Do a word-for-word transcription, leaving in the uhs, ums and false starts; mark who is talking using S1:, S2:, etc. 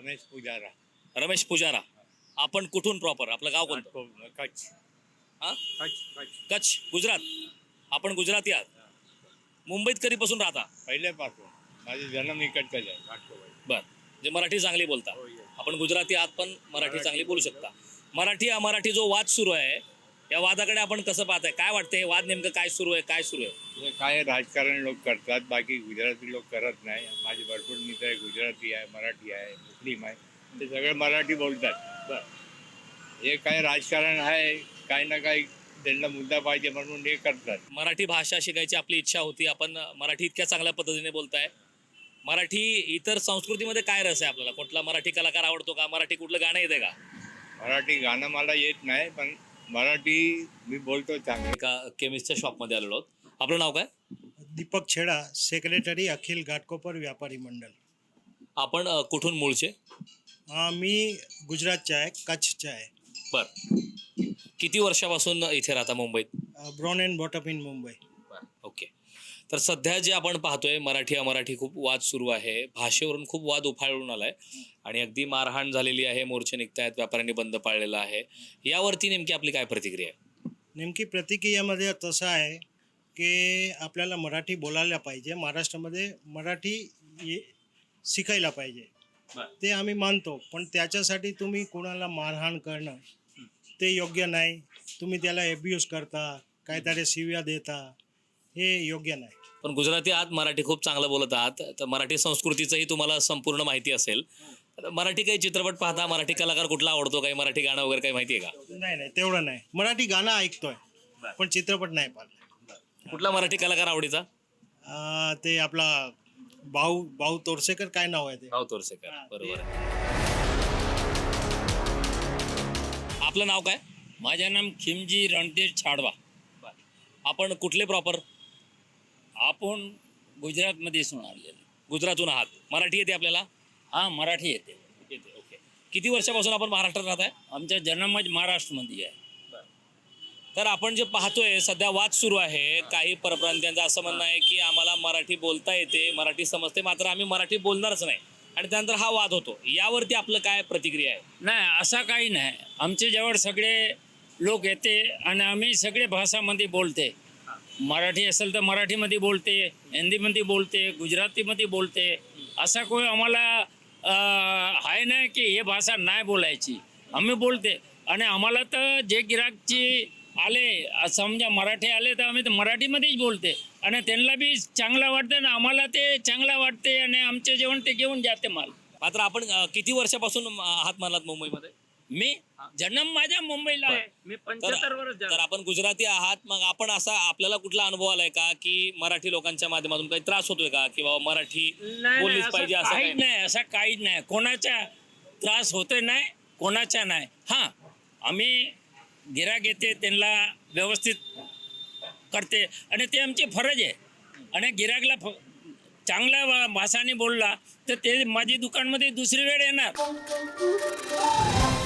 S1: रमेश पुजारा.
S2: रमेश पुजारा. आपण कुठून प्रॉपर? आपलं गाव कोणतं?
S1: कच्छ.
S2: हा?
S1: कच्छ कच्छ
S2: कच्छ, गुजरात. आपण गुजराती आहात. मुंबईत कधीपासून राहता?
S1: पहिल्यापासून माझा जन्म इकडचाच आहे घाटकोपर.
S2: बर, जे मराठी चांगली बोलता.
S1: हो, yes.
S2: आपण गुजराती आहात पण मराठी
S1: मराठी
S2: चांगली बोलू
S1: बोलतो.
S2: शकता. मराठी अमराठी जो वाद सुरू आहे, या वादाकडे आपण कसं पाहताय? काय वाटतंय? हे वाद नेमकं काय सुरू आहे? काय सुरू आहे?
S1: हे काय राजकारण लोक करतात, बाकी गुजराती लोक करत नाही. माझे भरपूर मित्र आहे, गुजराती आहे, मराठी आहे, मुस्लिम आहे, ते सगळे मराठी बोलतात.
S2: बर.
S1: हे काय राजकारण आहे, काही ना काही त्यांना मुद्दा पाहिजे म्हणून हे करतात.
S2: मराठी भाषा शिकायची आपली इच्छा होती. आपण मराठी इतक्या चांगल्या पद्धतीने बोलताय. मराठी इतर संस्कृतीमध्ये काय रस आहे आपल्याला? कुठला मराठी कलाकार आवडतो का? मराठी कुठलं गाणं येते का?
S1: मराठी गाणं मला येत नाही, पण मराठी मी बोलतो चांगलं.
S2: एका केमिस्टच्या शॉपमध्ये आलेलो आहोत. आपलं नाव काय?
S3: दीपक छेडा, सेक्रेटरी अखिल घाटकोपर व्यापारी मंडळ.
S2: आपण अ, कुठून मूळचे?
S3: अं, मी गुजरातचा आहे, कच्छचा आहे.
S2: बर. किती वर्षापासून इथे राहता मुंबईत?
S3: Born and brought up in Mumbai.
S2: Okay. तर सध्या जे आपण पाहतोय मराठी अमराठी खूप वाद सुरू आहे. भाषेवरून खूप वाद उफाळून आलाय आणि अगदी मारहाण झालेली आहे. मोर्चे निघतायत, व्यापाऱ्यांनी बंद पाळलेला आहे. यावरती नेमकी आपली काय प्रतिक्रिया आहे?
S3: नेमकी प्रतिक्रियामध्ये तसं आहे की आपल्याला मराठी बोलायला पाहिजे. महाराष्ट्रामध्ये मराठी ये शिकायला पाहिजे, ते आम्ही मानतो. पण त्याच्यासाठी तुम्ही कोणाला मारहाण करणं ते योग्य नाही. तुम्ही त्याला एब्यूज करता, काहीतरी शिव्या देता, हे योग्य नाही.
S2: पण गुजराती आहात, मराठी खूप चांगलं बोलत आहात, तर मराठी संस्कृतीचंही तुम्हाला संपूर्ण माहिती असेल. तर मराठी काही चित्रपट पाहता? मराठी कलाकार कुठला आवडतो? काही मराठी गाणं वगैरे काही माहिती आहे का?
S3: नाही नाही तेवढं नाही. मराठी गाणं ऐकतोय पण चित्रपट नाही पाहिलं.
S2: कुठला मराठी कलाकार आवडीचा?
S3: अं, ते आपला भाऊ भाऊ तोरसेकर, काय नाव आहे ते?
S2: भाऊ तोरसेकर. बरोबर आहे. आपलं नाव काय?
S4: माझं नाम खिमजी रणधीर छाडवा.
S2: आपण कुठले प्रॉपर?
S4: आपण गुजरातमध्ये आलेले.
S2: गुजरातून आहात. मराठी येते आपल्याला?
S4: हा, मराठी येते.
S2: येते. ओके. किती वर्षापासून आपण महाराष्ट्रात राहत आहे?
S4: आमचा जन्मच महाराष्ट्रामध्ये आहे.
S2: तर आपण जे पाहतोय सध्या वाद सुरू आहे. काही परप्रांतीयांचं असं म्हणणं आहे की आम्हाला मराठी बोलता येते, मराठी समजते, मात्र आम्ही मराठी बोलणारच नाही, आणि त्यानंतर हा वाद होतो. यावरती आपलं काय प्रतिक्रिया आहे?
S4: नाही, असं काही नाही. आमच्या जवळ सगळे लोक येते आणि आम्ही सगळे भाषामध्ये बोलते. मराठी असेल तर मराठीमध्ये बोलते, हिंदीमध्ये बोलते, गुजरातीमध्ये बोलते. असा कोई आम्हाला आहे नाही की हे भाषा नाही बोलायची. आम्ही बोलते. आणि आम्हाला तर जे गिराकची आले, समजा मराठी आले, तर आम्ही तर मराठीमध्येच बोलते आणि त्यांना बी चांगलं वाटतं ना आम्हाला ते चांगलं वाटते आणि आमचे जेवण ते घेऊन जाते माल.
S2: मात्र आपण अ, किती वर्षापासून आहात म्हणालात मुंबईमध्ये?
S4: मी जन्म माझ्या मुंबईला आहे. मी पंच्याहत्तर वर्ष
S2: तर
S4: झालं.
S2: आपण गुजराती आहात, मग आपण असा आपल्याला कुठला अनुभव आलाय का की मराठी लोकांच्या माध्यमातून काही त्रास होतोय का, किंवा मराठी
S4: नाही,
S2: बोललीच
S4: नाही,
S2: पाहिजे
S4: असं
S2: असं
S4: काहीच
S2: काही?
S4: नाही. असं काहीच नाही. कोणाचा त्रास होतोय नाही, कोणाचा नाही. हां, आम्ही गिराक येते त्यांना व्यवस्थित करते आणि ते आमची फरज आहे. आणि गिराकला फ चांगल्या भाषाने बोलला तर ते माझी दुकानमध्ये दुसरी वेळ येणार.